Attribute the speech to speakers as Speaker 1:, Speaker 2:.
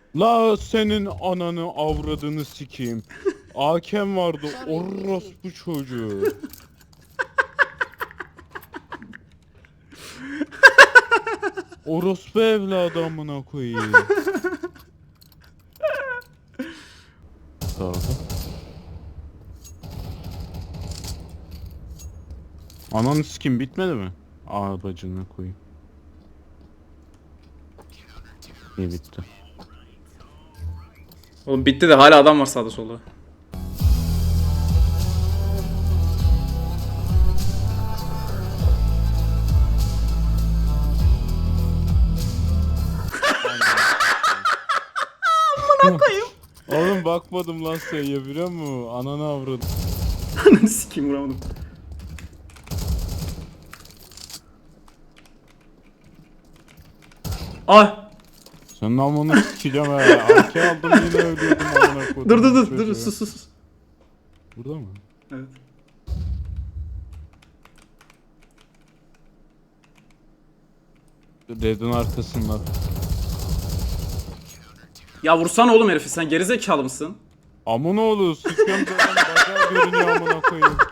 Speaker 1: La senin ananı avradını sikeyim. Hakem vardı orospu çocuğu. Orospu evladı amına koyayım. Sağda. Ananı sikeyim bitmedi mi? Aa bacını koyayım. İyi bitti.
Speaker 2: Oğlum bitti de hala adam var sağda solda.
Speaker 1: Oğlum bakmadım lan sayıya biliyor musun? Ananı avradım.
Speaker 2: Ananı sikeyim vuramadım. Ah!
Speaker 1: Senin amını sikeceğim ha. Arke aldım yine ölüyordum amına koydum.
Speaker 2: Dur sus.
Speaker 1: Burada mı?
Speaker 2: Evet.
Speaker 1: Red'in arkasında.
Speaker 2: Ya vursana oğlum herifi, sen gerizekalı mısın?
Speaker 1: Amına oğlu sıkıyorum zaten bacağı görünüyor amına koyayım.